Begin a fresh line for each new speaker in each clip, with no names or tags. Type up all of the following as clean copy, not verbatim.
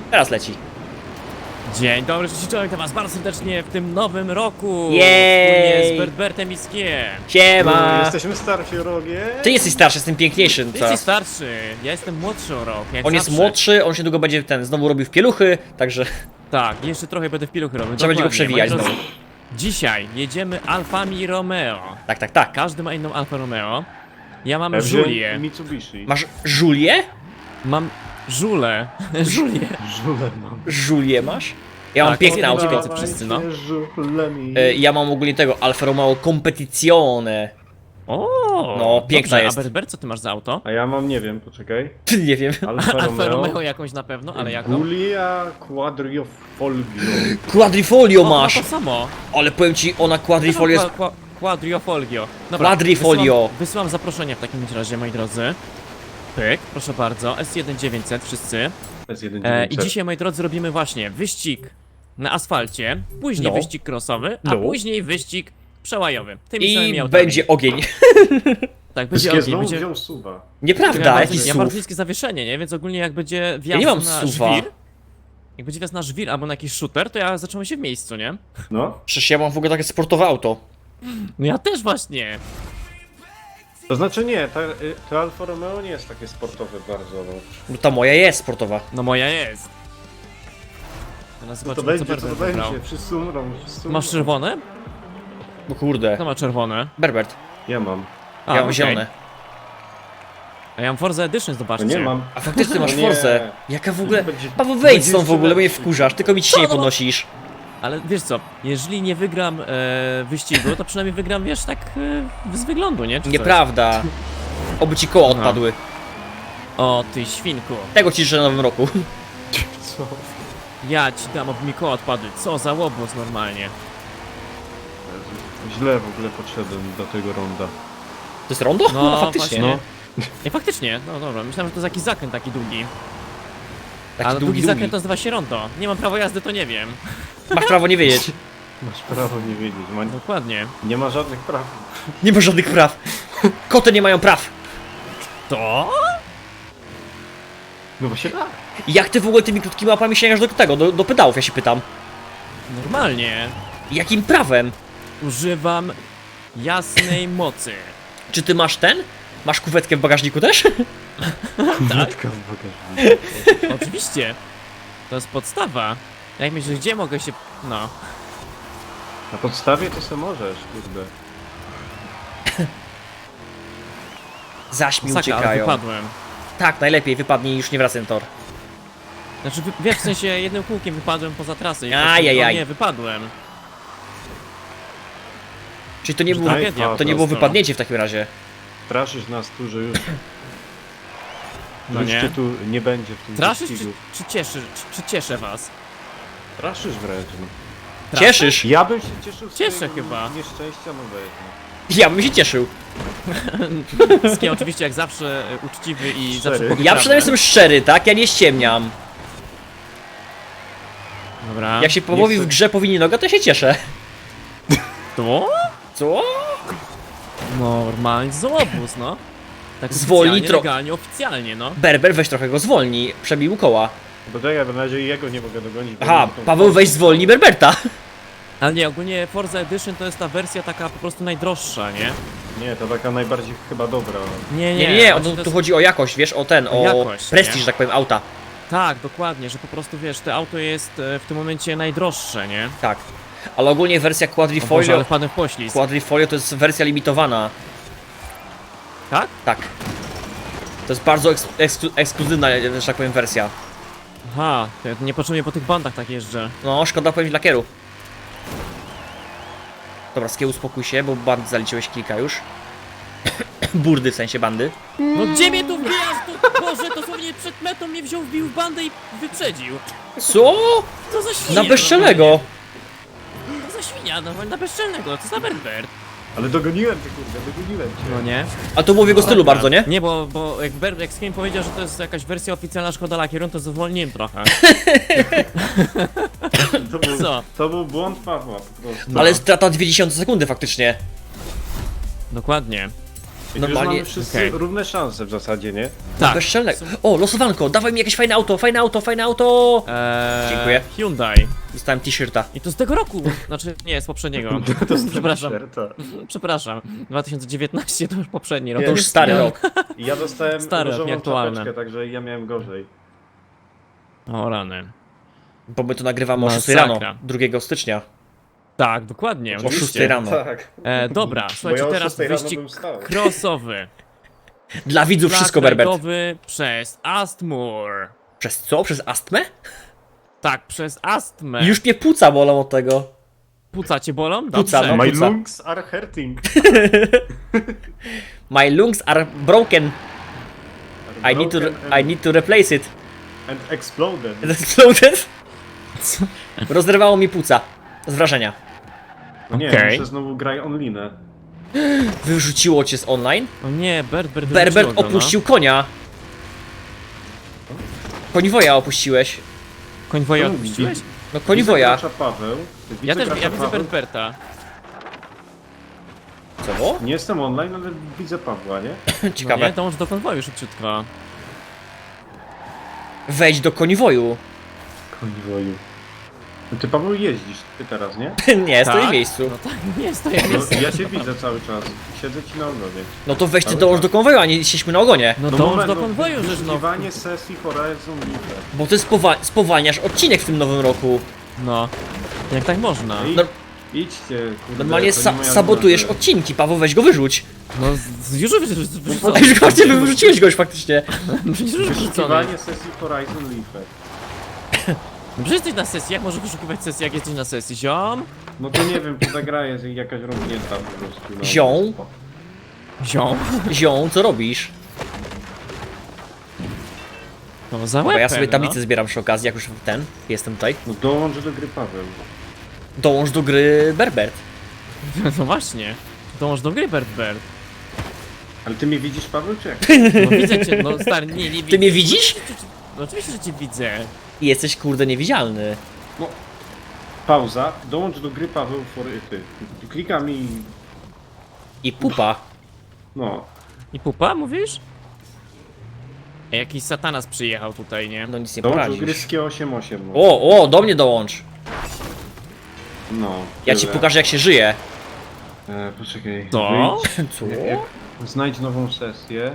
Teraz leci.
Dzień dobry, cześć, witam was bardzo serdecznie w tym nowym roku.
Jej!
Wspólnie z Bertbertem i Skiem.
Siema!
Jesteśmy starsi o rogie.
Ty jesteś starszy, jestem piękniejszy.
Ty
Co?
jesteś starszy, ja jestem młodszy o rok. Jak
On jest
zawsze.
młodszy, on się długo będzie znowu robił w pieluchy, także
Tak, jeszcze trochę będę w piluchy robił.
trzeba będzie go
dokładnie.
przewijać
Moi
znowu.
drodzy, dzisiaj jedziemy Alfami Romeo.
Tak.
Każdy ma inną Alfa Romeo. Ja mam
Ja wziąłem
Julię.
Mitsubishi.
Masz Julię?
Mam Żulę. Julię.
Żule mam.
Julię masz? Ja mam
Tak,
piękne
jest
auto.
jedna więcej wszyscy, no.
Żulemi.
Ja mam ogólnie tego Alfa Romeo Competizione.
O,
No, piękna
dobrze,
jest.
A Berbert, co ty masz za auto?
A ja mam, nie wiem, poczekaj.
Nie wiem.
Alfa
Alfa Romeo
Romeo.
jakąś na pewno, ale jaką?
Giulia Quadrifoglio.
Quadrifolio
O,
masz!
to samo.
Ale powiem ci, ona Quadrifolio jest...
Quadrifolio. Dobra,
Quadrifolio.
Wysyłam zaproszenie w takim razie, moi drodzy. Pyk, proszę bardzo, S1900 wszyscy. I dzisiaj, moi drodzy, robimy właśnie wyścig na asfalcie, później
No.
wyścig crossowy, a
No. później
później wyścig przełajowy. Tymi
I
samymi autami.
będzie ogień.
Tak, będzie
Wszystkie
ogień,
znowu
będzie...
wziął suwa.
Nieprawda,
Ja
jaki
mam bardzo
SUV.
niskie zawieszenie, nie? Więc ogólnie jak będzie
Ja
wjazd
nie mam
na
SUV-a.
żwir, jak będzie wjazd na żwir albo na jakiś shooter, to ja zacząłem się w miejscu, nie?
No.
Przecież ja mam w ogóle takie sportowe auto.
No ja też właśnie.
To znaczy nie, to Alfa Romeo nie jest takie sportowe bardzo. No.
No ta moja jest sportowa.
No moja jest. Teraz
Co to
zobaczymy,
będzie, co to
Berbert wybrał.
będzie? Wszyscy umrą, wszyscy umrą.
Masz czerwone?
Bo kurde.
Kto ma czerwone?
Berbert,
Ja mam.
A,
ja mam
okej.
zielone.
A ja mam Forza Edition,
To
zobaczcie.
nie mam.
A faktycznie ty masz
No nie.
Forzę. Jaka w ogóle...
Będzie-
Paweł, wejdź
będzie
stąd w ogóle, bo mnie
jeszcze
wkurzasz, tylko mi ciśnienie
Co?
podnosisz.
Ale wiesz co, jeżeli nie wygram wyścigu, to przynajmniej wygram, wiesz, tak z wyglądu, nie? Czy coś?
Nieprawda. Oby ci koła
Aha.
odpadły.
O, ty świnku.
Tego ci życzę na nowym roku.
Co?
Ja ci dam, aby mi koła odpadły. Co za łobuz normalnie.
Źle w ogóle podszedłem do tego ronda.
To jest rondo?
No,
faktycznie.
właśnie. I faktycznie, no dobra, myślałem, że to jest jakiś zakręt taki długi.
Taki
Ale
długi,
długi
długi.
zakręt to nazywa się rondo. Nie mam prawa jazdy, to nie wiem.
Masz prawo nie wiedzieć.
Masz prawo nie wiedzieć.
Dokładnie.
Nie ma żadnych praw.
Nie ma żadnych praw. Koty nie mają praw.
To?
No właśnie tak.
Jak ty w ogóle tymi krótkimi łapami sięgasz do tego, do pedałów, ja się pytam.
Normalnie.
Jakim prawem?
Używam jasnej mocy.
Czy ty masz ten? Masz kuwetkę w bagażniku też?
Matka w bagażniku.
Oczywiście. To jest podstawa. Jak myślisz, gdzie mogę się... No.
Na podstawie to se możesz, kurde.
Zaś mi
Saka, ale
uciekają.
wypadłem.
Tak, najlepiej wypadnij i już nie wracaj na tor.
Znaczy, wiesz, w sensie jednym kółkiem wypadłem poza trasę i
Ajajaj.
o nie, wypadłem.
Czyli to nie,
Że
było,
tragedia
to nie było
prosto.
wypadnięcie w takim razie.
Straszysz nas tu, że już...
No
już
nie.
cię tu nie będzie w tym
Straszysz
wyścigu.
czy cieszę was?
Straszysz wręcz, no.
Cieszysz?
Ja bym się cieszył z
Cieszę
twojego
chyba.
nieszczęścia, no weź, no.
Ja bym się cieszył.
Skie oczywiście jak zawsze uczciwy i
Szczery.
zawsze powie
Ja
prawdę.
przynajmniej jestem szczery, tak? Ja nie ściemniam.
Dobra.
Jak się połowi w
chcę-
grze powinni noga, to się cieszę.
To?
Co?
Normalnie złobóz, no. Tak
Zwolnij
oficjalnie,
tro-
legalnie, oficjalnie, no.
Berber, weź trochę go zwolni. Przebił koła.
Bo czekaj, bo na razie jego nie mogę dogonić. bo
Aha,
mam tą-
Paweł, weź zwolni Berberta.
Ale nie, ogólnie Forza Edition to jest ta wersja taka po prostu najdroższa, nie?
Nie, to taka najbardziej chyba dobra.
Nie,
Nie,
właśnie to
tu
jest...
chodzi o jakość, wiesz, o ten, o
jakość,
prestiż,
nie?
że tak powiem, auta.
Tak, dokładnie, że po prostu wiesz, to auto jest w tym momencie najdroższe, nie?
Tak. Ale ogólnie wersja
O Boże,
Quadrifolio,
ale wpadłem w poślizg.
Quadrifolio to jest wersja limitowana.
Tak?
Tak. To jest bardzo ekskluzywna, że tak powiem, wersja.
Aha, to ja niepotrzebnie po tych bandach tak jeżdżę.
No, szkoda powiem lakieru. Dobra, Skie, uspokój się, bo bandy zaliczyłeś kilka już. Burdy w sensie bandy.
No gdzie mnie tu wbijasz? To, Boże, dosłownie przed metą mnie wziął, wbił w bandę i wyprzedził.
Co?
Co za świnia?
Na bezczelnego!
normalnie. Co za świnia, normalnie na bezczelnego, co za Berbert.
Ale dogoniłem cię, kurde, dogoniłem cię.
No nie?
A to było w jego stylu bardzo, nie?
Nie, bo jak Skiem powiedział, że to jest jakaś wersja oficjalna Szkoda Lakieru, to zwolniłem trochę. Co?
To był błąd Pawła po prostu.
Ale strata 0,2 sekundy faktycznie.
Dokładnie.
Już
Normalnie-
mamy wszyscy
Okej.
równe szanse w zasadzie, nie?
Tak.
Bezczelnego. O, losowanko, dawaj mi jakieś fajne auto, fajne auto, fajne auto! Dziękuję.
Hyundai.
Dostałem t-shirta.
I to z tego roku. Znaczy, nie, z poprzedniego.
To jest
Przepraszam.
t-shirta.
Przepraszam. 2019 to już poprzedni rok.
To już stary rok.
I ja dostałem
Stare,
różową
nieaktualne.
czapeczkę, także ja miałem gorzej.
O rany.
Bo my to nagrywamy o 6
Masakra.
rano, 2 stycznia.
Tak, dokładnie.
O
oczywiście.
6 rano.
Tak.
Dobra, słuchajcie,
ja o
teraz
6 rano
wyścig
bym wstał.
crossowy.
Dla widzów wszystko,
Track
Berbert.
rajdowy przez Astmur.
Przez co? Przez astmę?
Tak, przez astmę.
Już mnie płuca bolą od tego.
Płuca cię bolą?
Płuca,
Dobrze.
no.
My
Płuca.
lungs are hurting.
My lungs are broken. I need to replace it.
And exploded.
Exploded? Rozrywało mi płuca. Z wrażenia.
No nie,
Okej.
muszę znowu graj onlinę.
Wyrzuciło cię z online?
O nie, Berbert
Berbert
wyrzuciło go,
opuścił konia. Koniwoja opuściłeś.
No. Konwoja odpuściłeś?
No koniwoja.
Widzę gracza Paweł.
Ja też,
gracza
ja widzę
Paweł.
Berberta.
Co było?
Nie jestem online, ale widzę Pawła, nie?
No nie,
Ciekawe.
dołącz do konwoju szybciutko.
Wejdź do koniwoju.
Konwoju. No ty Paweł jeździsz, ty teraz, nie?
Nie, stoi w
Tak?
miejscu.
No tak, nie, stoję.
No, ja cię widzę cały czas. Siedzę ci na ogonie.
No to weź ty
Cały
dołącz
czas.
do konwoju, a nie siedźmy na ogonie.
No dołącz
moment,
do konwoju, żeż no.
wyszukiwanie sesji Horizon Live.
Bo ty spowalniasz odcinek w tym nowym roku.
No. Jak tak można?
Ej,
No-
idźcie, kurde.
Normalnie
to nie moja
sabotujesz
wina,
odcinki, Paweł, weź go wyrzuć.
No, już wyrzucony.
A już właśnie wyrzuciłeś go już faktycznie.
Przecież już wyrzucony.
Wyszukiwanie sesji Horizon Live.
No przecież jesteś na sesji, jak możesz wyszukiwać sesji, jak jesteś na sesji, ziom?
No to nie wiem, czy ta gra jest jakaś rozwinięta po prostu. No.
Zią?
Ziom?
Zią, co robisz?
No za
Bo
łebem,
ja sobie
no.
tablicę zbieram przy okazji, jak już jestem tutaj.
No dołącz do gry Paweł.
Dołącz do gry Berbert.
No właśnie. Dołącz do gry, Berbert.
Ale ty mnie widzisz, Paweł, czy jak?
No widzę cię, no stary, nie widzę.
Ty mnie widzisz?
No oczywiście, że cię widzę.
I jesteś kurde niewidzialny.
No. Pauza. Dołącz do gry Paweł for ty. Klikam i...
I pupa.
No.
I pupa, mówisz? Ej, jakiś satanas przyjechał tutaj, nie?
No nic nie
Dołącz do gry
poradzisz.
Skie 88. No.
O, do mnie dołącz.
No.
Ja ci
tyle.
pokażę jak się żyje.
Poczekaj.
Co?
Wyjdź.
Co?
Znajdź nową sesję.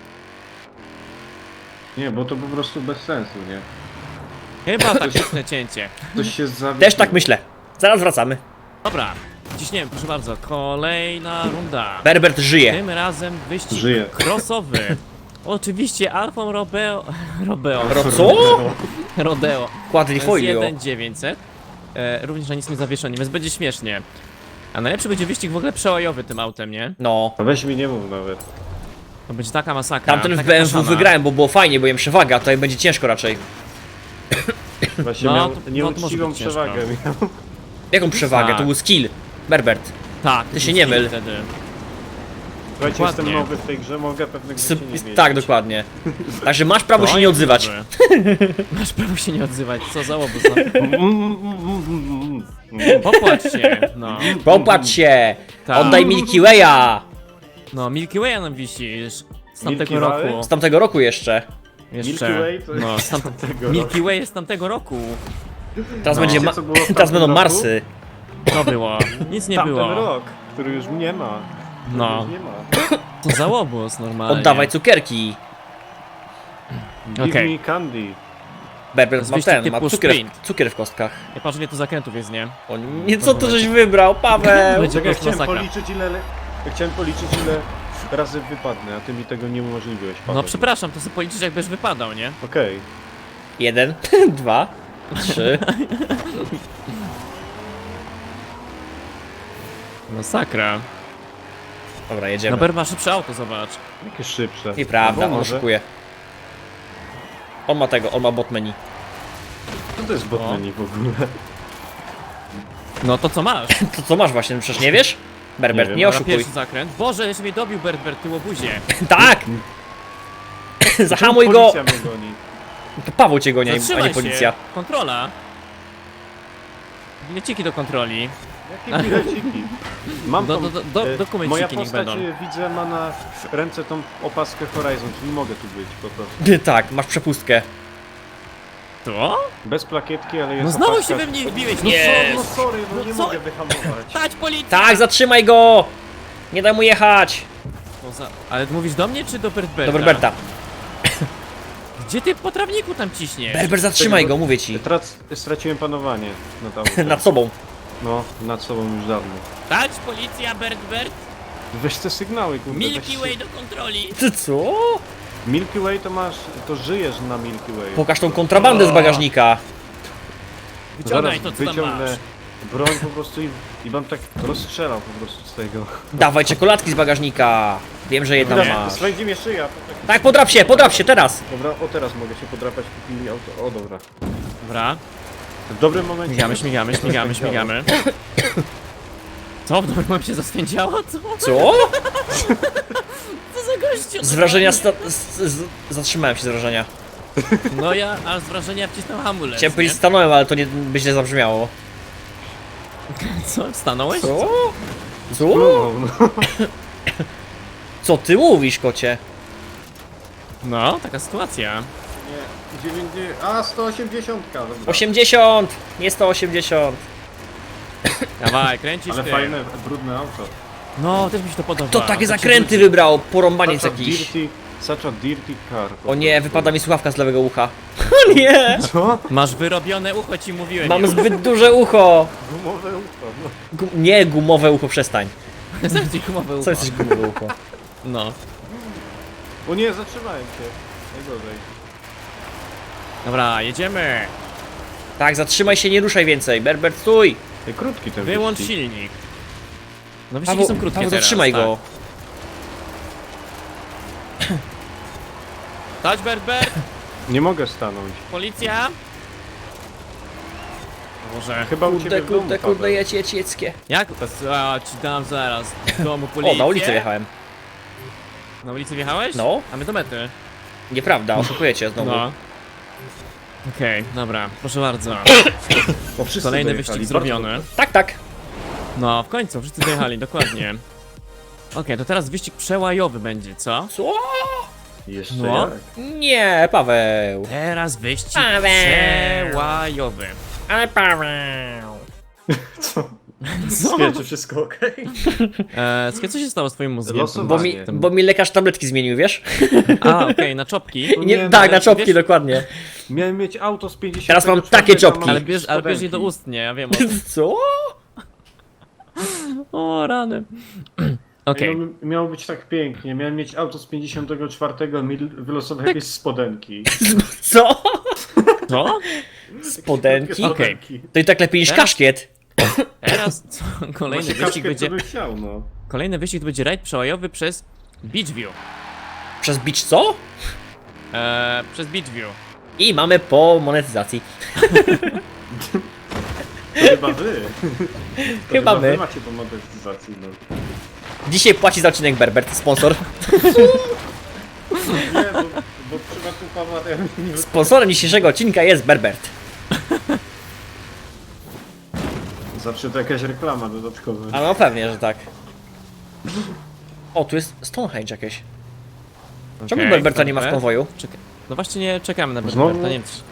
Nie, bo to po prostu bez sensu, nie?
Chyba taktyczne cięcie.
Ktoś się zawiesił.
Też tak myślę. Zaraz wracamy.
Dobra, ciśniemy, proszę bardzo. Kolejna runda.
Berbert żyje.
Tym razem wyścig
Żyje.
crossowy. Oczywiście Alfą Robeo.
Co?
Rodeo.
Quadrifoglio.
1900. Również na nic nie zawieszony, więc będzie śmiesznie. A najlepszy będzie wyścig w ogóle przełajowy tym autem, nie?
No.
A weź mi nie mów nawet.
To będzie taka masakra.
Tamten w
taka
BMW
kaszana.
wygrałem, bo było fajnie, bo miałem przewagę, a tutaj będzie ciężko raczej.
Właśnie
No,
miał
to- no, to
nieuczciwą
może być
przewagę. Miał.
Jaką przewagę?
Tak.
To był skill. Berbert.
Tak,
Ty się nie myl.
Wtedy.
Słuchajcie,
Dokładnie.
jestem nowy w tej grze, mogę pewnych rzeczy nie wiedzieć.
Tak, dokładnie. Także masz prawo
To
się nie
jest
odzywać.
dobrze. Masz prawo się nie odzywać, co za łobuz. Popłacz się, no.
Popatrz się!
Tak.
Oddaj Milky Way'a!
No, Milky Way nam wisisz. Z tamtego
Milky Way?
roku.
Z tamtego roku jeszcze.
Jeszcze.
Milky Way to jest
No,
z tamtego
Milky Way jest z tamtego roku.
Teraz,
No.
będzie
Wiecie, co było w
teraz
tamtym
będą
roku?
Marsy.
To było. Nic nie
Tamten
było.
rok, który już nie ma.
No.
Już nie ma.
To za łobuz normalnie.
Oddawaj cukierki.
Give
Okej.
me candy.
Berbert ma
Wyścig
ten, ma
typu
cukier,
sprint.
cukier w kostkach.
Ja patrzę, ile tu zakrętów jest, nie?
O nie, co to żeś wybrał, Paweł?
Będzie-
Czekaj,
to jest masakra.
chciałem policzyć ile razy wypadnę, a ty mi tego nie umożliwiłeś, Paweł.
No przepraszam, to sobie policzysz, jakbyś wypadał, nie?
Okej.
1, 2, 3.
Masakra.
Dobra,
No
jedziemy.
Ber ma szybsze auto, zobacz.
Jakie szybsze.
Nieprawda,
Albo
on
może.
oszukuje. On ma tego, on ma bot menu.
Co to jest botmeni w ogóle?
No to co masz?
To co masz właśnie, przecież nie wiesz? Berbert,
Nie
nie,
wiem,
Na
oszukuj.
pierwszy zakręt. Boże, jeszcze mnie dobił Berbert, ty łobuzie.
Tak! Zahamuj go!
Policja mnie goni.
To Paweł cię goni, a
Zatrzymaj
nie policja.
się. Kontrola. Bileciki do kontroli.
Jakie bileciki? Mam tą,
dokumenciki
moja
niech
postać,
będą.
widzę, ma na ręce tą opaskę Horizon, czyli mogę tu być po prostu.
Tak, masz przepustkę.
To?
Bez plakietki, ale jest
No znowu
opaska.
się we mnie wbiłeś, no
Nie.
co?
No sorry, no nie
co?
mogę wyhamować.
Stać policja!
Tak, zatrzymaj go! Nie daj mu jechać!
Ale mówisz do mnie czy do Bertberta?
Do Berberta.
Gdzie ty po trawniku tam ciśniesz?
Berber, zatrzymaj go, mówię ci.
Straciłem panowanie nad autem.
Nad sobą.
No, nad sobą już dawno.
Stać policja, Bertbert!
Weź te sygnały, kurde.
Milky
weź
Way do kontroli!
Ty co?
Milky Way to masz, to żyjesz na Milky Way.
Pokaż tą kontrabandę z bagażnika.
Wyciągaj to, co tam
wyciągnę
masz.
broń po prostu i bym tak rozstrzelał po prostu z tego.
Dawaj czekoladki z bagażnika. Wiem, że je tam masz.
Swędzi mnie szyja. To tak...
Tak, podrap się, teraz.
Dobra, o teraz mogę się podrapać, kupili auto. O dobra.
Dobra,
W dobrym momencie.
śmigamy. Co? W dobrym momencie zaswędziało? Co?
Co?
Co za gościu?
Z wrażenia zatrzymałem się z wrażenia.
No ja aż z wrażenia wcisnął hamulec.
Chciałem
nie?
powiedzieć stanąłem, ale to nie by źle zabrzmiało.
Co? Stanąłeś?
Co? Co?
No.
Co ty mówisz, kocie?
No, taka sytuacja.
Nie, 90, a 180. Dobra.
80! Nie 180.
Dawaj, kręcisz
Ale
ty.
fajne, brudne auto.
No, też mi się to podoba.
To takie
ci
zakręty
wróci.
wybrał, porąbaniec jakiś.
Such a dirty car.
O nie, wypada mi słuchawka z lewego ucha. O nie!
Co?
Masz wyrobione ucho, ci mówiłem.
Mam zbyt duże ucho.
Gumowe ucho. No.
Nie, gumowe ucho, przestań.
Zaraz gumowe ucho.
Co jesteś gumowe ucho?
No.
O nie, zatrzymałem się. Najgorzej.
Dobra, jedziemy.
Tak, zatrzymaj się, nie ruszaj więcej. Berber, stój!
Krótki ten
Wyłącz
wyścig.
silnik. No wyścigi
Paweł,
są krótkie
Paweł,
teraz.
zatrzymaj
tak.
go.
Stać, Bert.
Nie mogę stanąć.
Policja. Może.
Chyba u ciebie w domu,
Kurde,
Paweł.
jedź.
Jak? A, ci dam zaraz. W domu policję.
O, na ulicę wjechałem.
Na ulicę wjechałeś?
No.
A my do mety.
Nieprawda, oszukujecie znowu.
No. Okej, dobra, proszę bardzo.
Bo wszyscy
Kolejny
dojechali,
wyścig
bardzo
zrobiony.
dobrze.
Tak, tak.
No, w końcu, wszyscy dojechali, dokładnie. Okej, to teraz wyścig przełajowy będzie, co?
Co?
Jeszcze
No.
jak?
Nie, Paweł.
Teraz wyścig
Paweł.
przełajowy.
Ale Paweł.
Co?
Co?
Czy wszystko okej?
Słuchaj, co się stało z twoim mózgiem?
Losowanie.
Bo mi lekarz tabletki zmienił, wiesz?
A, okej, na czopki.
No
Nie,
nie,
tak,
no,
na czopki,
wiesz-
dokładnie.
Miałem mieć auto z 50.
Teraz mam takie czopki.
Ale bierz je do ust, nie, ja wiem o tym.
Co?
O, rany. Okej.
Miało być tak pięknie. Miałem mieć auto z 54, mi wylosował jakieś spodenki.
Co?
Co?
Spodenki?
Okej.
To i tak lepiej niż
Teraz-
kaszkiet.
Teraz co? Kolejny
Właśnie
wyścig
kaszkiet
będzie...
to bym chciał, no.
Kolejny wyścig to będzie rajd przełajowy przez Beachview.
Przez beach co?
Przez Beachview.
I mamy po monetyzacji.
To chyba wy. To
Chyba
wy
my.
macie tą monetyzację, no.
Dzisiaj płaci za odcinek Berbert, sponsor.
Nie, bo w przypadku Pawła to ja bym nie
Sponsorem dzisiejszego odcinka jest Berbert.
Zawsze to jakaś reklama dodatkowa.
A no pewnie, że tak. O, tu jest Stonehenge jakieś. Czemu
Okej,
Berberta nie ma w
dobra.
konwoju?
Czekaj. No właśnie nie czekamy na
Znowu?
Berberta, nie wiem czy...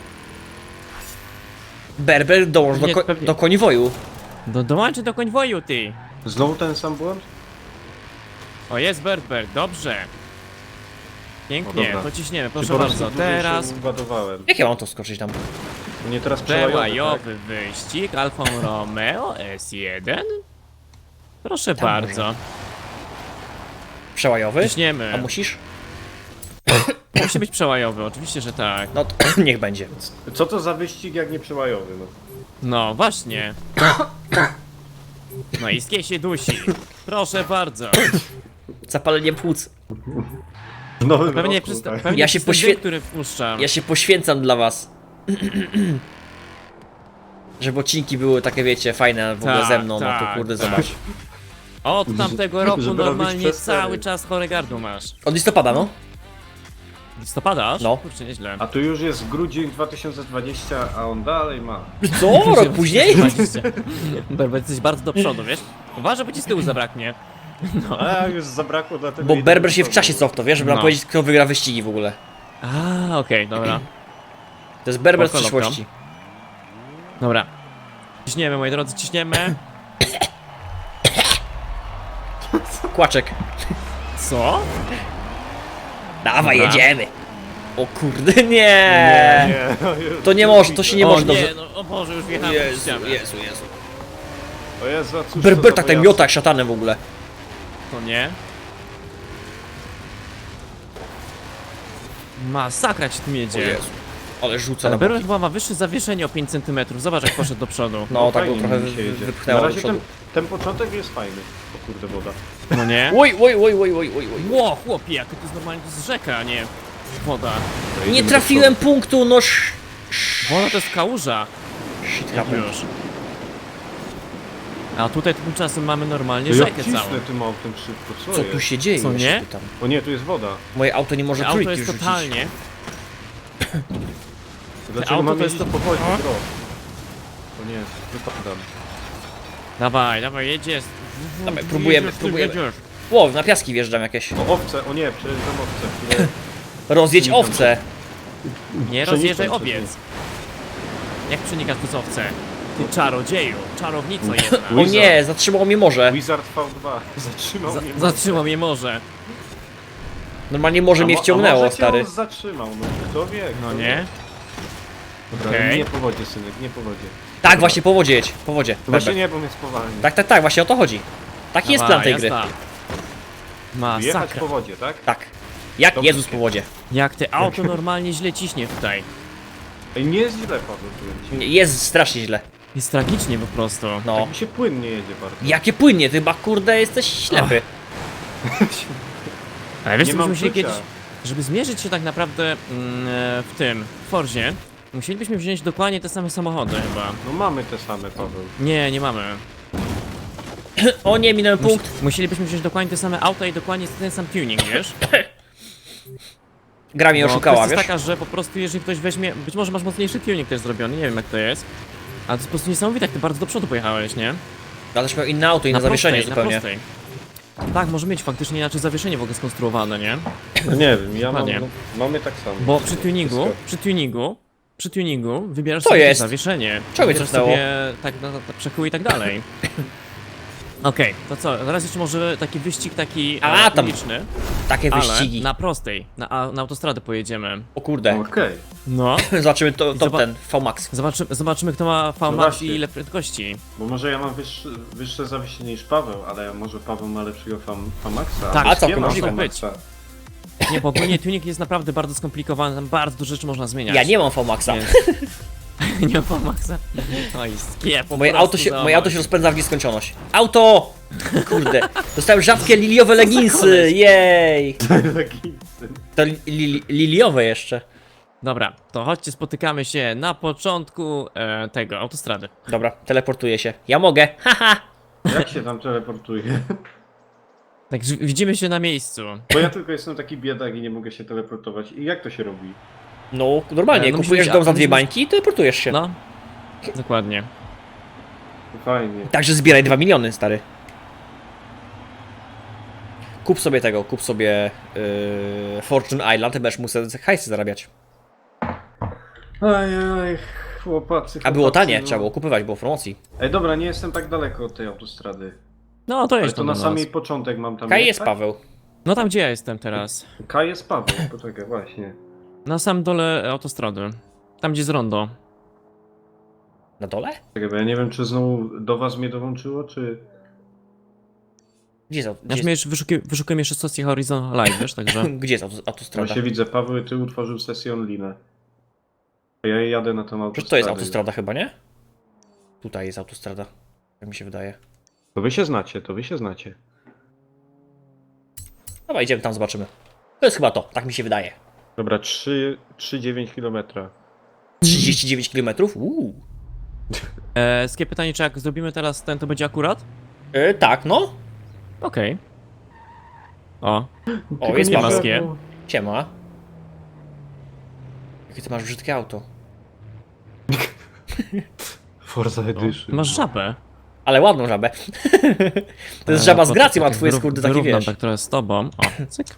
Berber dołącz
Nie, pewnie.
do konwoju.
Dołączy do konwoju, ty!
Znowu ten sam błąd?
O, jest Berbert, dobrze.
O,
Pięknie,
dobra.
pociśniemy,
Czy
proszę
po prostu
bardzo.
dłużej
Teraz
się ładowałem.
Jak ja mam to skoczyć tam?
Nie teraz przełajowy, tak?
przełajowy wyścig Alfa Romeo S1. Proszę
Tam
bardzo.
Przełajowy?
Ciśniemy.
A musisz?
Musi być przełajowy, oczywiście, że tak.
No to niech będzie.
Co to za wyścig jak nie przełajowy, no?
No, właśnie. No i skie się dusi. Proszę bardzo.
Zapalenie płuc.
W nowym
Pewnie
roku,
przez,
tak?
pewnie
Ja się
przez ten
poświe-
dym, który wpuszczam.
Ja się poświęcam dla was. Żeby odcinki były takie, wiecie, fajne w ogóle
Tak,
ze mną, no to
tak,
kurde,
tak.
zobacz.
Od tamtego roku
Żeby robić
normalnie
przestery.
cały czas chore gardło masz.
Od listopada, no?
Listopada aż?
No.
Kurczę, nieźle.
A tu już jest grudzień 2020, a on dalej ma.
Co? Rok później?
Berber, jesteś bardzo do przodu, wiesz? Uważaj, bo ci z tyłu zabraknie.
A już zabrakło dlatego...
Bo
idę
Berber
do
się w
przodu.
czasie cofnął, wiesz, żeby nam
No.
powiedzieć, kto wygra wyścigi w ogóle.
A, okej, dobra.
To jest Berber z
Spoko,
przyszłości.
Dobra. Ciśniemy, moi drodzy, ciśniemy.
Kłaczek.
Co?
Dawaj,
Dobra.
jedziemy. O kurde, nie.
Nie, no już
To nie może, to się nie
o,
może
nie,
dobrze.
no, o Boże, już wjechałem w ścianę.
Jezu.
O Jezu, a cóż to
Berber
za
tak
pojazd?
miota jak szatanem w ogóle.
To nie. Masakra ci tym jedzie.
Ale rzuca na
Ale Berber
boki.
chyba ma wyższe zawieszenie o 5 cm. Zobacz, jak poszedł do przodu.
No, tak go
fajnie
trochę
mi się jedzie.
wypchnęło
Na
do
razie
przodu.
ten początek jest fajny. O kurde, woda.
No nie?
Oj.
Ło, chłopie, jak to jest normalnie, to jest rzeka, a nie woda.
To
Nie
jedziemy
trafiłem
do przodu.
punktu, no
Woda to jest kałuża.
shit
Jak
happened.
już. A tutaj tymczasem mamy normalnie
To ja
rzekę
cisnę
całą.
tym autem szybko,
Co tu się dzieje?
Co,
Ja się
nie?
pytam.
O nie, tu jest woda.
Moje auto nie może
Auto
trójki
jest
rzucić.
totalnie.
Dlaczego
auto
mam
to jest
jeździć
to-
po wodzie,
O.
bro? O nie, wypadam.
Dawaj, jedziesz.
Dawaj, próbujemy.
Jedziesz.
Ło, na piaski wjeżdżam jakieś.
O, owce, o nie, przejeżdżam owce, które...
Rozjedź
Przenikam
owce.
Nie
Przenikam
rozjeżdżaj
przez
owiec. Jak przenikasz przez owce? Ty czarodzieju, czarownico jedna.
O nie, zatrzymało mnie morze.
Wizard V2 zatrzymał mnie.
Zatrzymał mnie może.
Normalnie morze mnie
A
wciągnęło,
może cię
stary.
on zatrzymał, no kto wie, kto
No
wie.
nie?
Dobra,
Okej.
nie po wodzie, synek, nie po wodzie.
Tak, właśnie po wodzie jedź, po wodzie.
Właśnie
Berber.
nie, bo mnie spowalni.
Tak, właśnie o to chodzi. Taki jest plan tej gry.
jazda.
Jechać
Masakra.
po wodzie, tak?
Tak. Jak
Dobrze.
Jezus po wodzie.
Jak te auto normalnie źle ciśnie tutaj.
Ej, nie jest źle, Paweł, powiem ci.
Jest strasznie źle.
Jest tragicznie po prostu.
No.
Tak mi się płynnie jedzie bardzo.
Jakie płynnie, ty chyba kurde jesteś ślepy.
Ale wiesz
Nie
co,
mam
byśmy musieli
czucia.
kiedyś, żeby zmierzyć się tak naprawdę w tym, w Forzie, musielibyśmy wziąć dokładnie te same samochody chyba.
No mamy te same, Paweł.
Nie mamy.
O nie, minąłem punkt.
Musielibyśmy wziąć dokładnie te same auta i dokładnie ten sam tuning, wiesz?
Gra mnie
Bo
oszukała,
kwestia
wiesz?
jest taka, że po prostu jeżeli ktoś weźmie, być może masz mocniejszy tuning też zrobiony, nie wiem jak to jest. Ale to jest po prostu niesamowite, jak ty bardzo do przodu pojechałeś, nie?
Ale też miał inne auto, inne zawieszenie
prostej,
zupełnie.
Na prostej. Tak, może mieć faktycznie inaczej zawieszenie w ogóle skonstruowane, nie?
No nie wiem, ja mam,
Dokładnie.
no, mamy tak samo.
Bo
Wszystko.
przy tuningu wybierasz
To
sobie
jest.
zawieszenie.
Czego mnie
Wybierasz
cofnęło?
sobie tak, przekój i tak dalej. Okej, to co, teraz jeszcze może taki wyścig taki
A, tam
uliczny,
Takie
ale
wyścigi.
na prostej, na autostradę pojedziemy.
O kurde.
Okej.
No,
Zobaczymy to, top
Zoba-
ten, VMAX.
zobaczymy kto ma
No
VMAX
właśnie.
i ile prędkości.
Bo może ja mam wyższe zawieszenie niż Paweł, ale może Paweł ma lepszego Famaxa.
Tak,
a co,
nie ma
możliwe
być. Nie, bo ogólnie tuning jest naprawdę bardzo skomplikowany, tam bardzo dużo rzeczy można zmieniać.
Ja nie mam VMAXa.
Więc... nie ma VMAXa? Oj, skiep, po
Moje
prostu
auto, się,
zobacz.
moje auto się rozpędza w nieskończoność. Auto! Kurde. Dostałem rzadkie liliowe leginsy, jej! To liliowe jeszcze.
Dobra, to chodźcie, spotykamy się na początku tego, autostrady.
Dobra, teleportuję się. Ja mogę, haha!
Jak się tam teleportuje?
Także widzimy się na miejscu.
Bo ja tylko jestem taki biedak i nie mogę się teleportować. I jak to się robi?
No, normalnie,
No,
kupujesz
musimy-
dom za
a,
2
musimy-
bańki i teleportujesz się.
No, dokładnie.
Fajnie.
Także zbieraj 2 miliony, stary. Kup sobie tego, kup sobie Fortune Island, ty będziesz musiał hajsy zarabiać.
Ajaj, chłopacy.
A było tanie,
no.
trzeba było kupywać, było w promocji.
Ej, dobra, nie jestem tak daleko od tej autostrady.
No, to
Ale
jest
to
to
na
do
samej
nas.
początek mam tam
Kaj
jechać?
jest Paweł.
No tam gdzie ja jestem teraz?
K jest Paweł, poczekaj, właśnie.
Na samym dole autostrady. Tam gdzie jest rondo.
Na dole?
Czekaj, bo ja nie wiem, czy znowu do was mnie dołączyło, czy...
Gdzie jest,
Ja
gdzie
mnie
jest,
jeszcze wyszukuję jeszcze stacji Horizon Live, wiesz, także...
gdzie jest autostrada?
Właśnie widzę, Paweł, ty utworzył sesję online. Ja jadę na tą autostradę.
Przecież to jest autostrada chyba, nie? Tutaj jest autostrada, jak mi się wydaje.
To wy się znacie, to wy się znacie.
Dobra, idziemy tam, zobaczymy. To jest chyba to, tak mi się wydaje.
Dobra, 3,9 km.
39 km?
Skie pytanie, czy jak zrobimy teraz ten, to będzie akurat?
Tak, no.
Okej. O,
O, jest
nie
Paweł.
maskie.
Siema. Jakie ty masz brzydkie auto.
Forza Edition.
Masz żabę.
Ale ładną żabę. To jest żaba z gracją, a twój jest kurde taki,
wyrównam
wiesz.
tak trochę z tobą. O, cyk.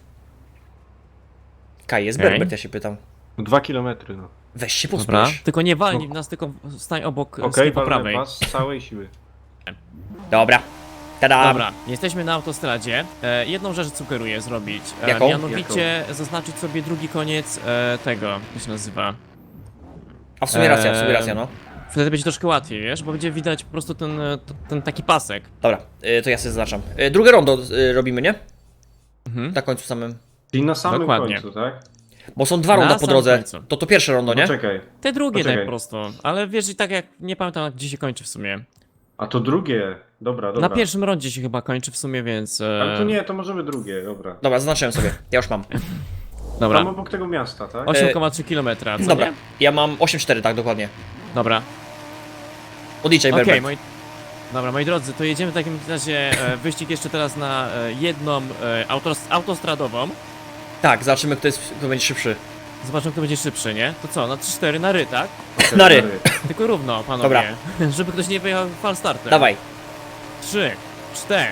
Kaj, jest
Okej.
Berbert, ja się pytam.
2 kilometry, no.
Weź się
Dobra.
pospiesz.
Tylko nie walnij w nas, tylko stań obok
Okej,
po prawej.
walnę was z całej siły.
Dobra. Tada!
Dobra, jesteśmy na autostradzie. Jedną rzecz sugeruję zrobić.
Jaką?
Mianowicie zaznaczyć sobie drugi koniec tego, jak się nazywa.
A w sumie racja, no.
Wtedy będzie troszkę łatwiej, wiesz, bo będzie widać po prostu ten taki pasek.
Dobra, to ja sobie zaznaczam. Drugie rondo robimy, nie?
Mhm.
Na końcu samym.
Czyli na samym
Dokładnie.
końcu, tak?
Bo są dwa
Na
ronda po
samym
drodze.
końcu.
To pierwsze rondo, nie?
Czekaj.
Te drugie
Poczekaj.
tak po prostu, ale wiesz, i tak jak, nie pamiętam gdzie się kończy w sumie.
A to drugie. Dobra.
Na pierwszym rondzie się chyba kończy w sumie, więc...
Ale to nie, to możemy drugie, dobra.
Dobra, zaznaczyłem sobie. Ja już mam.
Dobra,
Tam obok tego miasta, tak?
8,3 km, co
Dobra,
nie?
ja mam 8,4, tak dokładnie.
Dobra,
Odliczaj,
okej,
Berbert.
Dobra, moi drodzy, to jedziemy w takim razie wyścig jeszcze teraz na jedną autostradową.
Tak, zobaczymy kto będzie szybszy.
Zobaczymy, kto będzie szybszy, nie? To co, na 3-4 na ry, tak?
Okej,
na ry.
Tylko równo, panowie.
Dobra.
Żeby ktoś nie wyjechał falstartem.
Dawaj.
3, 4,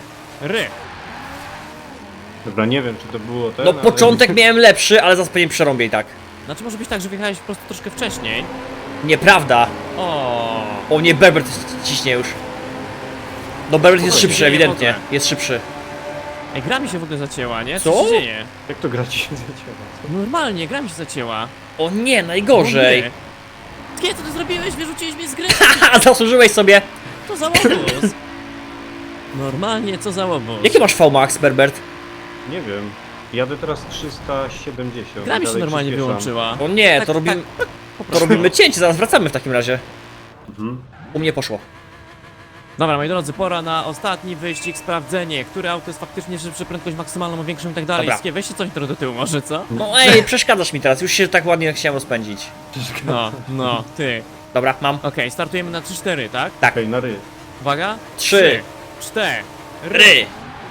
Dobra, nie wiem czy to było ten,
No
ale-
początek miałem lepszy, ale zaraz pewnie przerąbię i tak.
Znaczy może być tak, że wyjechałeś po prostu troszkę wcześniej.
Nieprawda.
O,
O nie, Berbert ciśnie już. No Berbert jest
Spokojnie,
szybszy,
nie
ewidentnie.
mogę.
Jest szybszy.
Ej, gra mi się w ogóle zacięła, nie?
Co?
Co się dzieje?
Jak to gra ci się zacięła?
Normalnie, gra mi się zacięła.
O nie, najgorzej.
Nie, co ty zrobiłeś? Wyrzuciłeś mnie z gry?
Haha, zasłużyłeś sobie.
Co za łobuz? Normalnie, co za łobuz?
Jaki masz VMAX, Berbert?
Nie wiem. Jadę teraz 370.
Gra mi się
dalej
normalnie
przyspieszam.
wyłączyła.
O nie,
Tak,
to robimy,
Po
to
prostu.
robimy cięcie, zaraz wracamy w takim razie.
Mhm.
U mnie poszło.
Dobra, moi drodzy, pora na ostatni wyścig, sprawdzenie, które auto jest faktycznie szybsze, prędkość maksymalną, większą i tak dalej.
Dobra.
Skie, weźcie coś trochę do tyłu może, co?
No ej, przeszkadzasz mi teraz, już się tak ładnie chciałem rozpędzić.
No, ty.
Dobra, mam.
Okej, startujemy na 3-4, tak?
Okej, na ry.
Uwaga.
3,
4.
ry.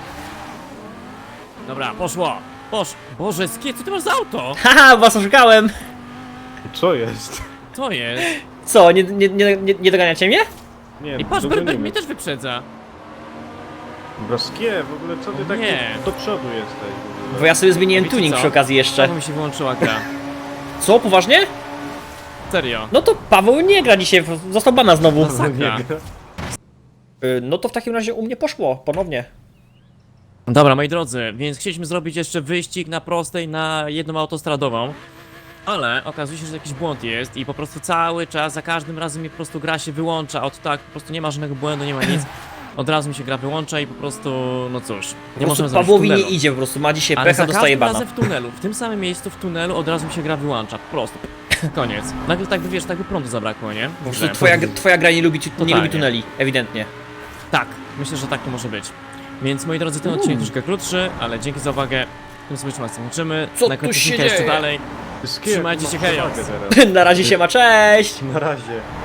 Dobra, poszło. Boże, Skie, co ty masz za auto?
Haha, was oszukałem.
Co jest?
Co jest?
Co, nie doganiacie mnie?
Nie,
I patrz,
dogonimy.
Berbert mnie też wyprzedza.
Broskie, w ogóle co ty tak
Nie.
do przodu jesteś? w ogóle?
Bo ja sobie zmieniłem
Wiecie
tuning
co?
przy okazji jeszcze.
Znowu mi się wyłączyła gra.
Co, poważnie?
Serio.
No to Paweł nie gra dzisiaj, został bana znowu.
Masakra.
No to w takim razie u mnie poszło, ponownie.
Dobra, moi drodzy, więc chcieliśmy zrobić jeszcze wyścig na prostej, na jedną autostradową. Ale okazuje się, że jakiś błąd jest i po prostu cały czas, za każdym razem mi po prostu gra się wyłącza od tak, po prostu nie ma żadnego błędu, nie ma nic. Od razu mi się gra wyłącza i po prostu, no cóż,
Po
nie
prostu
możemy zrobić
Pawłowi nie
tunelu.
idzie po prostu, ma dzisiaj
Ale
pecha,
za
dostaje
każdym
bana.
razem w tunelu, w tym samym miejscu w tunelu od razu mi się gra wyłącza, po prostu. Koniec. Nagle tak by, wiesz, tak by prądu zabrakło, nie?
Po prostu twoja gra nie lubi
Totalnie.
tuneli, ewidentnie.
Tak, myślę, że tak to może być. Więc moi drodzy, ten odcinek troszkę krótszy, ale dzięki za uwagę. Tym sobie was kończymy.
Co
Na
tu
końcu
się
jeszcze
dzieje?
dalej.
Broskie,
Trzymajcie
masz
się, hejos.
przewagę teraz.
Na razie się ma, cześć!
Na razie.